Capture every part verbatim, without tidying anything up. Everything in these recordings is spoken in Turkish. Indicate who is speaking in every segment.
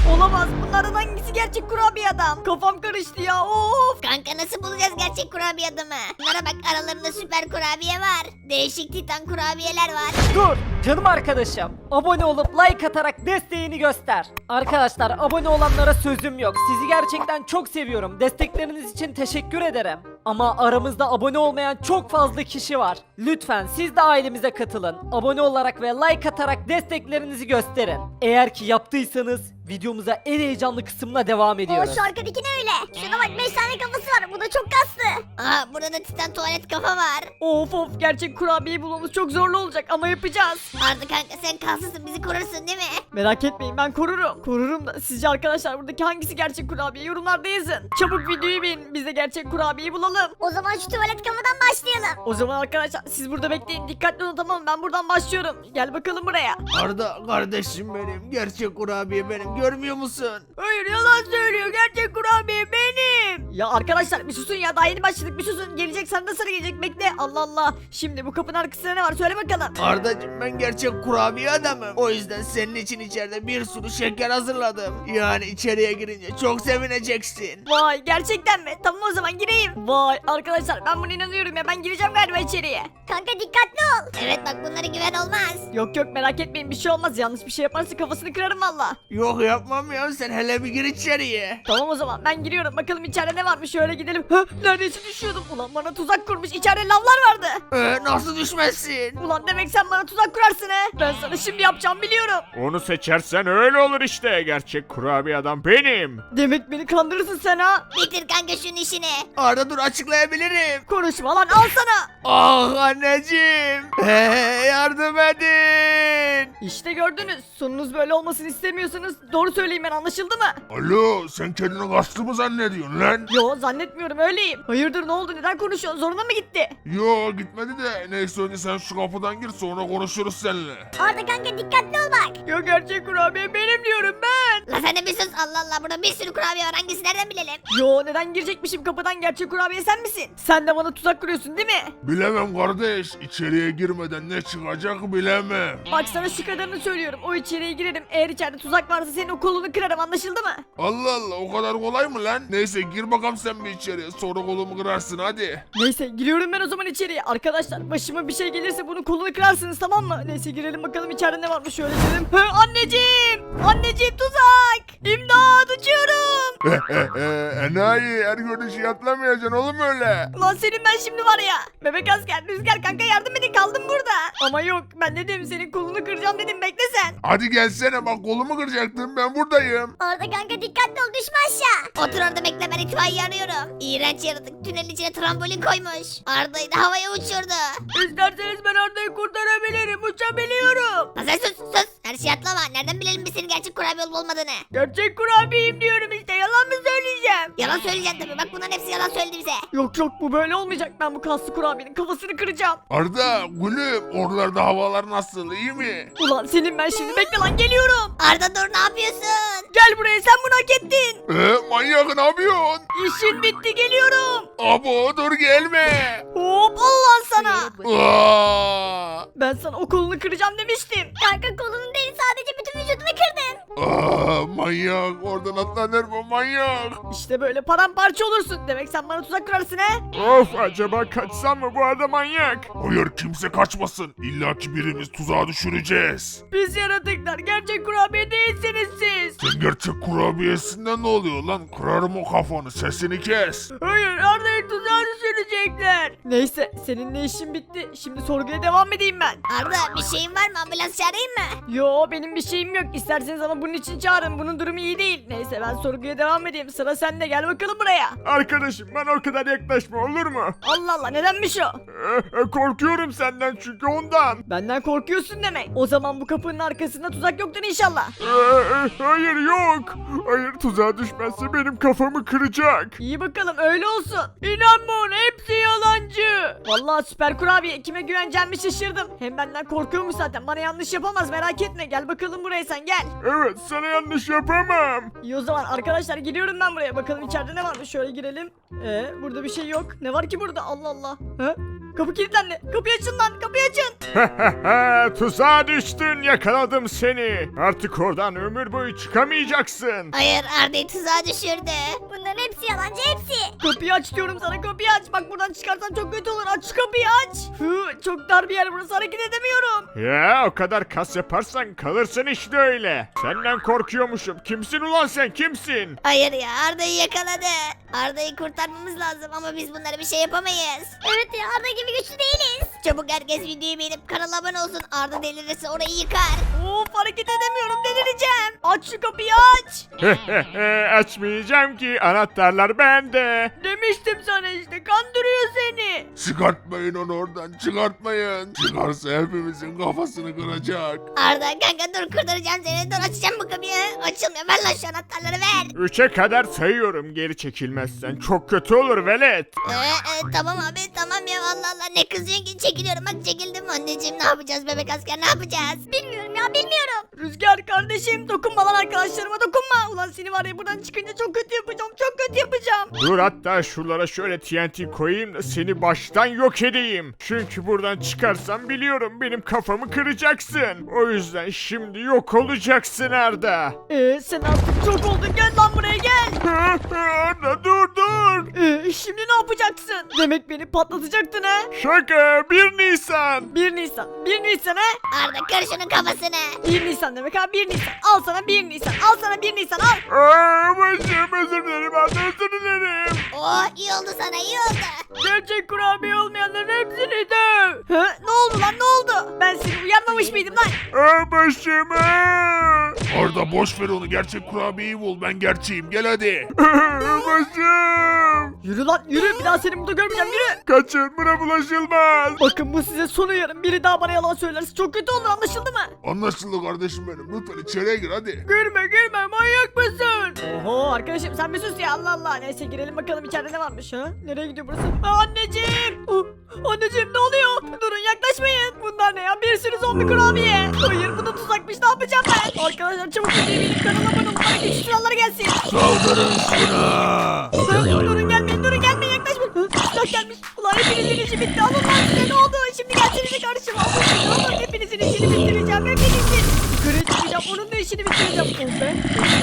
Speaker 1: Olamaz, bunlardan hangisi gerçek kurabiye adam? Kafam karıştı ya, of.
Speaker 2: Kanka nasıl bulacağız gerçek kurabiye adamı? Bunlara bak, aralarında süper kurabiye var. Değişik titan kurabiyeler var.
Speaker 3: Dur canım arkadaşım. Abone olup like atarak desteğini göster. Arkadaşlar abone olanlara sözüm yok. Sizi gerçekten çok seviyorum. Destekleriniz için teşekkür ederim. Ama aramızda abone olmayan çok fazla kişi var. Lütfen siz de ailemize katılın. Abone olarak ve like atarak desteklerinizi gösterin. Eğer ki yaptıysanız videomuza en heyecanlı kısımla devam
Speaker 2: O
Speaker 3: ediyoruz.
Speaker 2: şu arkadaki ne öyle? Şuna bak, beş tane kafası var. Bu da çok kaslı. Aa, burada da titan tuvalet kafa var.
Speaker 1: Of of, gerçek kurabiyeyi bulmamız çok zorlu olacak ama yapacağız.
Speaker 2: Arda kanka, sen kalsızsın, bizi korursun değil mi?
Speaker 1: Merak etmeyin, ben korurum. Korurum da sizce arkadaşlar buradaki hangisi gerçek kurabiye, yorumlarda yazın. Çabuk videoyu beğenin, biz de gerçek kurabiyeyi bulalım.
Speaker 2: O zaman şu tuvalet kafadan başlayalım.
Speaker 1: O zaman arkadaşlar siz burada bekleyin, dikkatli olun, tamam mı? Ben buradan başlıyorum. Gel bakalım buraya.
Speaker 4: Arda kardeşim benim, gerçek kurabiye benim, görmüyor musun?
Speaker 1: Hayır, yalan söylüyor, gerçek kurabiye benim. Ya arkadaşlar bir susun ya, daha yeni başladık, bir susun. Gelecek, sana da sıra gelecek, bekle. Allah Allah. Şimdi bu kapının arkasında ne var, söyle bakalım.
Speaker 4: Ardacığım, ben gerçek kurabiye adamım. O yüzden senin için içeride bir sürü şeker hazırladım. Yani içeriye girince çok sevineceksin.
Speaker 1: Vay, gerçekten mi? Tamam, o zaman gireyim. Vay arkadaşlar, ben buna inanıyorum ya, ben gireceğim galiba içeriye.
Speaker 2: Kanka dikkatli ol. Evet bak, bunlara güven olmaz.
Speaker 1: Yok yok, merak etmeyin, bir şey olmaz. Yanlış bir şey yaparsa kafasını kırarım valla.
Speaker 4: Yok yapmam ya, sen hele bir gir içeriye.
Speaker 1: Tamam, o zaman ben giriyorum, bakalım içeride ne varmış, şöyle gidelim. Hı, neredeyse düşüyordum. Ulan bana tuzak kurmuş, içeride lavlar vardı.
Speaker 4: Ee, nasıl düşmezsin?
Speaker 1: Ulan demek sen bana tuzak kurarsın he. Ben sana şimdi yapacağım, biliyorum.
Speaker 5: Onu seçersen öyle olur işte. Gerçek kurabiye adam benim.
Speaker 1: Demek beni kandırırsın sen ha.
Speaker 2: Bitir kanka şunun işini.
Speaker 4: Arda dur, açıklayabilirim.
Speaker 1: Konuşma lan, al sana.
Speaker 4: Ah anneciğim. Hey, yardım edin.
Speaker 1: İşte gördünüz, sonunuz böyle olmasını istemiyorsanız doğru söyleyin, ben anlaşıldı mı?
Speaker 6: Alo, sen kendini kaslı mı zannediyorsun lan?
Speaker 1: Yo, zannetmiyorum, öyleyim. Hayırdır, ne oldu, neden konuşuyorsun, zoruna mı gitti?
Speaker 6: Yo, gitmedi de neyse, önce sen şu kapıdan gir, sonra konuşuruz seninle.
Speaker 2: Arda kanka dikkatli ol bak.
Speaker 1: Ya gerçek kurabiye benim diyorum ben.
Speaker 2: La sen de bir sus, Allah Allah, burada bir sürü kurabiye var, hangisi nereden bilelim?
Speaker 1: Yo, neden girecekmişim kapıdan, gerçek kurabiye sen misin? Sen de bana tuzak kuruyorsun değil mi?
Speaker 6: Bilemem kardeş, içeriye girmeden ne çıkacak bilemem.
Speaker 1: Bak sana şu kadarını söylüyorum, o içeriye girerim, eğer içeride tuzak varsa senin o kolunu kırarım, anlaşıldı mı?
Speaker 6: Allah Allah, o kadar kolay mı lan? Neyse gir bakalım sen bir içeriye, sonra kolumu kırarsın hadi.
Speaker 1: Neyse, giriyorum ben o zaman içeriye. Arkadaşlar başıma bir şey gelirse bunun kolunu kırarsınız, tamam mı? Neyse, girelim bakalım içeride ne varmış, şöyle girelim. Hı, anneciğim! Anneciğim, tuzak! İmdat, uçuyorum!
Speaker 6: Enayi, her gördüğün şeyi atlamayacaksın oğlum öyle.
Speaker 1: Ulan senin ben şimdi var ya. Bebek asker, Rüzgar kanka, yardım edin, kaldım burada. Ama yok, ben dedim senin kolunu kıracağım dedim, bekle sen.
Speaker 6: Hadi gelsene, bak kolumu kıracaktın, ben buradayım.
Speaker 2: Arda kanka dikkatli ol, düşme aşağı. Otur orada bekle, ben itfaiye arıyorum. İğrenç yaratık tünelin içine trambolin koymuş. Arda'yı da havaya uçurdu.
Speaker 1: İsterseniz ben Arda'yı kurtarabilirim, uçabiliyorum.
Speaker 2: La sen sus sus, her şeyi atlama. Nereden bilelim biz senin gerçek kurabiye olup olmadığını?
Speaker 1: Gerçek kurabiyeyim diyorum işte, yalan mı söyleyeceğim?
Speaker 2: Yalan söyleyeceksin tabii, bak bunların hepsi yalan söyledi bize.
Speaker 1: Yok yok, bu böyle olmayacak, ben bu kaslı kurabiyenin kafasını kıracağım.
Speaker 6: Arda, gülüm, oralarda havalar nasıl, iyi mi?
Speaker 1: Ulan senin ben şimdi, bekle lan, geliyorum.
Speaker 2: Arda dur, ne yapıyorsun?
Speaker 1: Gel buraya, sen bunu hak ettin.
Speaker 6: Ee, manyak, ne yapıyorsun?
Speaker 1: İşin bitti, geliyorum.
Speaker 6: Abo, dur gelme.
Speaker 1: Hop, Allah sana.
Speaker 6: Aa!
Speaker 1: Ben sana o kolunu kıracağım demiştim.
Speaker 2: Kanka kolunun değil, sadece bütün vücudunu kırdın.
Speaker 6: Aa, manyak, oradan atlanır mı manyak?
Speaker 1: İşte böyle paramparça olursun. Demek sen bana tuzak kurarsın he?
Speaker 5: Of, acaba kaçsam mı, bu adam manyak.
Speaker 6: Hayır, kimse kaçmasın. İlla ki birimiz tuzağa düşüreceğiz.
Speaker 1: Pis yaratıklar, gerçek kurabiye değilsiniz siz.
Speaker 6: Sen gerçek kurabiyesinden ne oluyor lan? Kırarım o kafanı, sesini kes.
Speaker 1: Hayır, Arda'yı tuzağa düşürecekler. Neyse, seninle işim bitti. Şimdi sorguya devam edeyim ben.
Speaker 2: Arda bir şeyin var mı, ambulans çağırayım mı?
Speaker 1: Yo, benim bir şeyim yok. İsterseniz ama bunun için çağırın. Bunun durumu iyi değil. Neyse, ben sorguya devam edeyim. Sıra sende, gel bakalım buraya.
Speaker 5: Arkadaşım, bana o kadar yaklaşma, olur mu?
Speaker 1: Allah Allah, nedenmiş o?
Speaker 5: Ee, e, korkuyorum senden çünkü ondan.
Speaker 1: Benden korkuyorsun demek. O zaman bu kapının arkasında tuzak yoktur inşallah.
Speaker 5: Ee, e, hayır, yok. Hayır, tuzağa düşmezse benim kafamı kıracak.
Speaker 1: İyi bakalım, öyle olsun. İnanma ona, hepsi yalancı. Vallahi süper kurabiye, kime güveneceğimi şaşırdım. Hem benden korkuyormuş zaten, bana yanlış yapamaz, merak etme. Gel bakalım buraya, sen gel.
Speaker 5: Evet, sana yanlış yapamam.
Speaker 1: İyi o zaman arkadaşlar, giriyorum ben buraya. Bakalım içeride ne varmış, şöyle girelim. Ee, burada bir şey yok. Ne var ki burada, Allah Allah. He? Kapı kilitlendi. Kapıyı açın lan. Kapıyı açın.
Speaker 5: Tuzağa düştün, yakaladım seni. Artık oradan ömür boyu çıkamayacaksın.
Speaker 2: Hayır Arda'yı tuzağa düşürdü. Bunların hepsi yalancı hepsi.
Speaker 1: Kapıyı aç diyorum sana. Kapıyı aç. Bak buradan çıkarsan çok kötü olur. Aç şu kapıyı aç. Hı, çok dar bir yer burası. Hareket edemiyorum.
Speaker 5: Ya o kadar kas yaparsan kalırsın işte öyle. Senden korkuyormuşum. Kimsin ulan sen, kimsin?
Speaker 2: Hayır ya Arda'yı yakaladı. Arda'yı kurtarmamız lazım ama biz bunlara bir şey yapamayız. Evet ya Arda gibi güçlü değiliz. Çabuk herkes videoyu beğenip kanala abone olsun. Arda delirirse orayı yıkar.
Speaker 1: Of hareket edemiyorum. Delireceğim. Aç şu kapıyı aç.
Speaker 5: Açmayacağım ki, anahtarlar bende.
Speaker 1: Demiştim sana işte. Kandırıyor seni.
Speaker 6: Çıkartmayın onu oradan, çıkartmayın. Çıkarsa hepimizin kafasını kıracak.
Speaker 2: Arda kanka dur kurtaracağım seni. Dur açacağım bu kapıyı. Açılmıyor. Ver lan şu anahtarları ver.
Speaker 5: Üçe kadar sayıyorum, geri çekilmezsen çok kötü olur velet.
Speaker 2: Ee, e, tamam abi tamam ya Allah Allah ne kızıyorsun ki çekiliyorum bak çekildim anneciğim ne yapacağız bebek asker ne yapacağız bilmiyorum ya bilmiyorum.
Speaker 1: Rüzgar kardeşim dokunma lan arkadaşlarıma dokunma. Ulan seni var ya buradan çıkınca çok kötü yapacağım. Çok kötü yapacağım.
Speaker 5: Dur, hatta şuralara şöyle T N T koyayım da seni baştan yok edeyim. Çünkü buradan çıkarsam biliyorum benim kafamı kıracaksın. O yüzden şimdi yok olacaksın Arda.
Speaker 1: Ee, sen artık çok oldun. Gel lan buraya gel.
Speaker 5: Arda dur dur.
Speaker 1: Ee, şimdi ne yapacaksın? Demek beni patlatacaktın ha?
Speaker 5: Şaka, bir Nisan.
Speaker 1: bir Nisan. bir Nisan ha?
Speaker 2: Arda kır şunun kafasını.
Speaker 1: bir Nisan demek ha bir Nisan. Al sana bir Nisan. Al sana bir Nisan al.
Speaker 5: Aa, başım, özür dilerim Arda, özür dilerim.
Speaker 2: Oo iyi oldu sana iyi oldu.
Speaker 1: Gerçek kurabiye olmayanların hepsini döv. Ha? Ne oldu lan ne oldu? Ben seni uyarmamış mıydım lan?
Speaker 5: Aa, başım. aa.
Speaker 6: Arda boş ver onu, gerçek kurabiyeyi bul, ben gerçeğim, gel hadi.
Speaker 5: Başım.
Speaker 1: Yürü lan yürü. Bir daha seni burada görmeyeceğim yürü.
Speaker 5: Kaçın, buna bulaşılmaz.
Speaker 1: Bakın bu size son uyarım. Biri daha bana yalan söylerse çok kötü olur anlaşıldı mı?
Speaker 6: Anlaşıldı kardeşim benim, lütfen içeriye gir hadi.
Speaker 1: Girme girme manyak mısın? Oho arkadaşım sen bir sus ya Allah Allah. Neyse girelim bakalım içeride ne varmış ha? Nereye gidiyor burası? Aa, anneciğim. Oh, anneciğim ne oluyor? Durun yaklaşmayın. Bunlar ne ya? Bir sürü zombi kurabiye. Hayır bu da tuzakmış ne yapacağım ben? Arkadaşlar çabuk videoyu benim kanalıma abone olun. Bana geçiş silahları gelsin.
Speaker 6: Saldırın şuna.
Speaker 1: Durun, durun gelmeyin durun gelmeyin yaklaşmayın. Hı, silah gelmiş. Ulan hepinizin işi bitti. Alın lan size ne oldu? Şimdi gelsenize karşıma. Alın size alın. Hepinizin işini bitireceğim. Hepinizin. Yukarıya çıkacağım. Onun da işini bitireceğim. Oh be.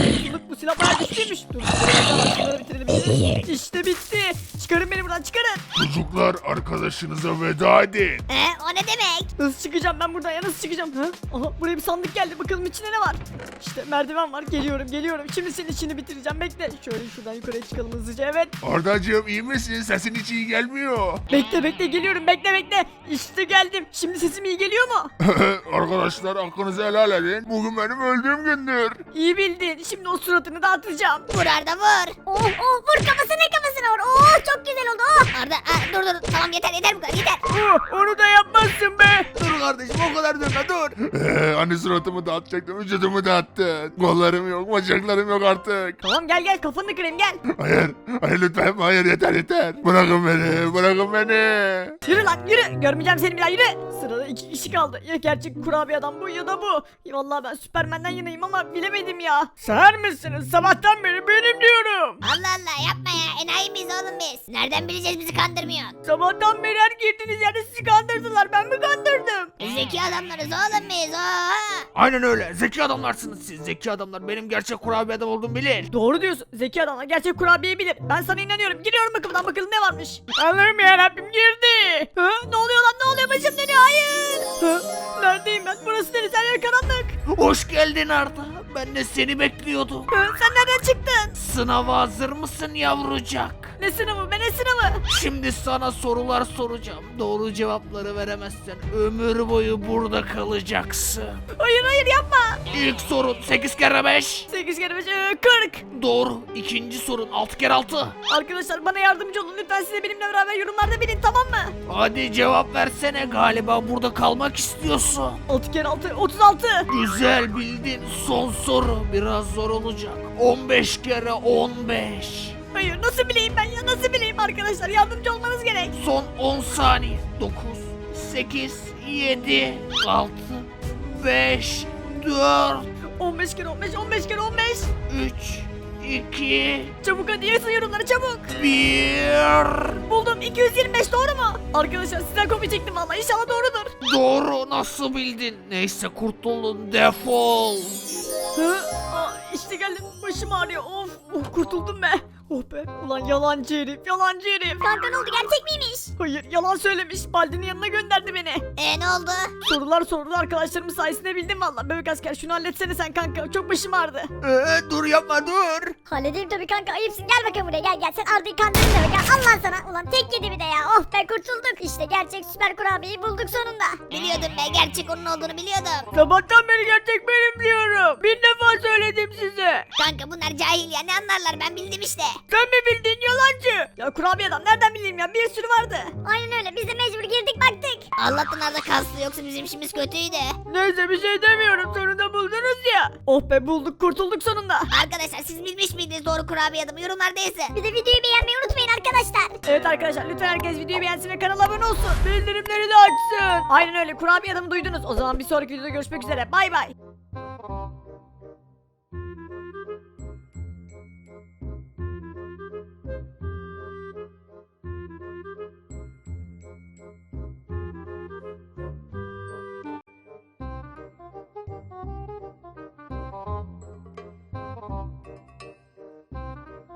Speaker 1: Bu silah bayağı güçlüymüş. Dur. Şunları bitirelim. bitirelim. İşte bitti. Çıkarın beni buradan çıkarın.
Speaker 6: Çocuklar arkadaşınıza veda edin.
Speaker 2: Ee, o ne demek?
Speaker 1: Nasıl çıkacağım ben buradan ya nasıl çıkacağım? Ha? Aha buraya bir sandık geldi bakalım içinde ne var? İşte merdiven var geliyorum geliyorum. Şimdi senin işini bitireceğim bekle. Şöyle şuradan yukarıya çıkalım hızlıca evet.
Speaker 6: Ardacığım iyi misin? Sesin hiç iyi gelmiyor.
Speaker 1: Bekle bekle geliyorum bekle bekle. İşte geldim. Şimdi sesim iyi geliyor mu?
Speaker 6: Arkadaşlar hakkınızı helal edin. Bugün benim öldüğüm gündür.
Speaker 1: İyi bildin. Şimdi o suratını dağıtacağım.
Speaker 2: Vur Arda vur. Oh oh vur kafasına kafasına vur. Oh çok güzel oldu oh. Arda aa, dur dur tamam yeter yeter bu kadar yeter.
Speaker 1: Oh, onu da yapmazsın be.
Speaker 4: Dur kardeşim, o kadar dönme dur.
Speaker 6: Ee, hani suratımı dağıtacaktım, vücudumu dağıttın. Kollarım yok, bacaklarım yok artık.
Speaker 1: Tamam gel gel kafanı kırayım gel.
Speaker 6: Hayır, hayır lütfen, hayır yeter yeter. Bırakın beni, bırakın beni.
Speaker 1: Yürü lan yürü. Görmeyeceğim seni bir daha yürü. Sırada iki kişi kaldı. Ya gerçek kurabiye adam bu ya da bu. Ya vallahi ben Süpermen'den yanayım ama bilemedim ya. Seher misiniz? Sabahtan beri benim diyorum.
Speaker 2: Allah Allah yapma ya enayi miyiz oğlum biz? Nereden bileceğiz bizi kandırmıyorsun?
Speaker 1: Sabahtan beri her girdiğiniz yerde sizi kandırdılar. Ben mi kandırdım?
Speaker 2: Zeki adamlarız oğlum biz oha.
Speaker 4: Aynen öyle. Zeki adamlarsınız siz. Zeki adamlar benim gerçek kurabiye adam olduğumu bilir.
Speaker 1: Doğru diyorsun. Zeki adamlar gerçek kurabiyeyi bilir. Ben sana inanıyorum. Giriyorum bakımdan bakalım ne varmış. Allah'ım yarabbim girdi. Ha? Ne oluyor lan ne oluyor başım dönüyor hayır. Ha? Neredeyim ben? Burası neresi? Her yer karanlık.
Speaker 4: Hoş geldin Arda. Ben de seni bekliyordum.
Speaker 1: Ha? Sen nereden çıktın?
Speaker 4: Sınava hazır mısın yavrucak?
Speaker 1: Ne sınavı? Ben ne sınavı?
Speaker 4: Şimdi sana sorular soracağım. Doğru cevapları veremezsen ömür boyu burada kalacaksın.
Speaker 1: Hayır hayır yapma.
Speaker 4: İlk sorun sekiz kere beş.
Speaker 1: sekiz kere beş kırk.
Speaker 4: Doğru. İkinci sorun altı kere altı.
Speaker 1: Arkadaşlar bana yardımcı olun. Lütfen size benimle beraber yorumlarda bilin tamam mı?
Speaker 4: Hadi cevap versene, galiba burada kalmak istiyorsun.
Speaker 1: altı kere altı otuz altı.
Speaker 4: Güzel bildin. Son soru biraz zor olacak. on beş kere on beş.
Speaker 1: Hayır nasıl bileyim ben ya nasıl bileyim arkadaşlar yardımcı olmanız gerek.
Speaker 4: Son on saniye. dokuz, sekiz, yedi, altı, beş, dört,
Speaker 1: on beş kere on beş on beş kere on beş.
Speaker 4: üç, iki,
Speaker 1: Çabuk hadi yazın yorumlara çabuk.
Speaker 4: bir.
Speaker 1: Buldum iki yüz yirmi beş doğru mu? Arkadaşlar sizden kopya çektim valla inşallah doğrudur.
Speaker 4: Doğru, nasıl bildin? Neyse kurtuldun, defol.
Speaker 1: Hı? Aa, işte geldim başım ağrıyor of, oh, kurtuldum be. Oh be ulan yalancı herif yalancı herif.
Speaker 2: Kanka ne oldu gerçek miymiş?
Speaker 1: Hayır yalan söylemiş Baldi'nin yanına gönderdi beni.
Speaker 2: Ee ne oldu?
Speaker 1: Sorular sordu arkadaşlarımın sayesinde bildim valla. Bebek asker şunu halletsene sen kanka çok başım ağrıdı.
Speaker 4: Ee, dur yapma dur.
Speaker 2: Halledeyim tabii kanka ayıpsın gel bakalım buraya gel gel sen Arda'yı kandırdın demek ha Allah sana ulan tek yedi bir de ya oh be kurtulduk işte gerçek süper kurabiyeyi bulduk sonunda. Biliyordum be gerçek onun olduğunu biliyordum.
Speaker 1: Sabahtan beri gerçek benim diyorum. Bin defa söyledim size.
Speaker 2: Kanka bunlar cahil ya ne anlarlar ben bildim işte.
Speaker 1: Sen mi bildin yalancı? Ya kurabiye adam nereden bileyim ya bir sürü vardı.
Speaker 2: Aynen öyle biz de mecbur girdik baktık. Allah'tan Arda kaslı yoksa bizim işimiz kötüydü.
Speaker 1: Neyse bir şey demiyorum sonunda buldunuz ya. Oh be bulduk kurtulduk sonunda.
Speaker 2: Arkadaşlar siz bilmiş miydiniz doğru kurabiye adamı yorumlarda yazın. Bir de videoyu beğenmeyi unutmayın arkadaşlar.
Speaker 1: Evet arkadaşlar lütfen herkes videoyu beğensin ve kanala abone olsun. Bildirimleri de açsın. Aynen öyle kurabiye adamı duydunuz. O zaman bir sonraki videoda görüşmek üzere bay bay.